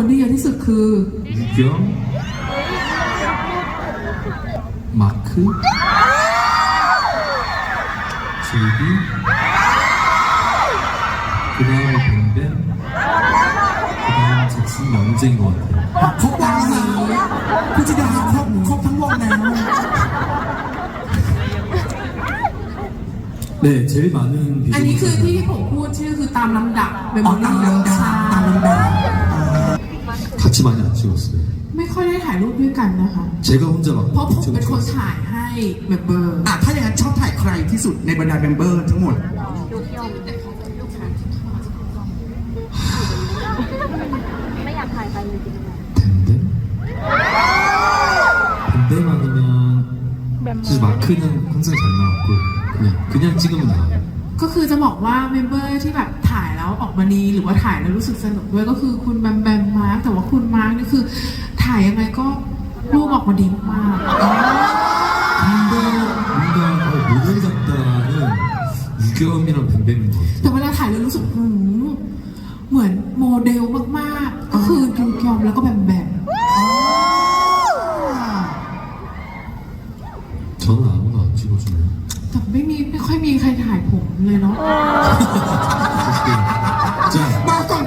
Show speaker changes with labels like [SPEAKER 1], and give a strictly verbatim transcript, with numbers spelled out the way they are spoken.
[SPEAKER 1] คนที่เยอะที่สุดคือ
[SPEAKER 2] 유경, 마크, 제이비, 그 다음에 뱀뱀, 그 다음 잭슨 영재인 것 같아요.
[SPEAKER 3] ครบวงแล้วคุณจิดาครบครบทั้งวงแล้ว
[SPEAKER 2] 네, 제일 많은
[SPEAKER 1] อันนี้คือ
[SPEAKER 2] 비중이
[SPEAKER 1] ที่ผมพูดชื่อคือตามลำดับเป็น
[SPEAKER 3] อ๋อตามลำดับตามลำดับ
[SPEAKER 2] 같이 많이 안 찍었어요.
[SPEAKER 1] ไม่ค่อยได้ถ่ายรูปด้วยกันนะคะ
[SPEAKER 2] 제가 혼자 막
[SPEAKER 1] เพราะผมเป็นคน
[SPEAKER 2] 찍었어요.
[SPEAKER 1] ถ่ายให้เมมเบอร์
[SPEAKER 3] อ่ะถ้าอย่างนั้นชอบถ่ายใครที่สุดในบรรดาเมมเบอร์ทั้งหมด
[SPEAKER 4] ไม่อยากถ่ายใครเลยจริง
[SPEAKER 2] 뱀뱀? 뱀뱀 아니면 사실 마크는 항상 잘 나왔고 그냥 그냥 찍으면 나와요.
[SPEAKER 1] ก็คือจะบอกว่าเมมเบอร์ที่แบบถ่ายแล้วออกมาดีหรือว่าถ่ายแล้วรู้สึกสนุกด้วยก็คือคุณแบมแบมมาร์กแต่ว่าคุณมาร์กนี่คือถ่ายยังไงก็รูปออกมาดีมาก
[SPEAKER 2] 근데 뭔가 어, 모델 같다는 유겸이랑 뱀뱀인 것
[SPEAKER 1] แต่
[SPEAKER 2] 같아요.
[SPEAKER 1] เวลาถ่ายแล้วรู้สึกหืมเหมือนโมเดลมากๆก็คือยูยอมแล้วก็แบมแบม
[SPEAKER 2] 저는 아무도 안 찍어주네요.
[SPEAKER 1] แต่ไม่มีไม่ค่อยมีใครถ่ายผมเลยเนาะ
[SPEAKER 2] 자,
[SPEAKER 3] บอกก่อน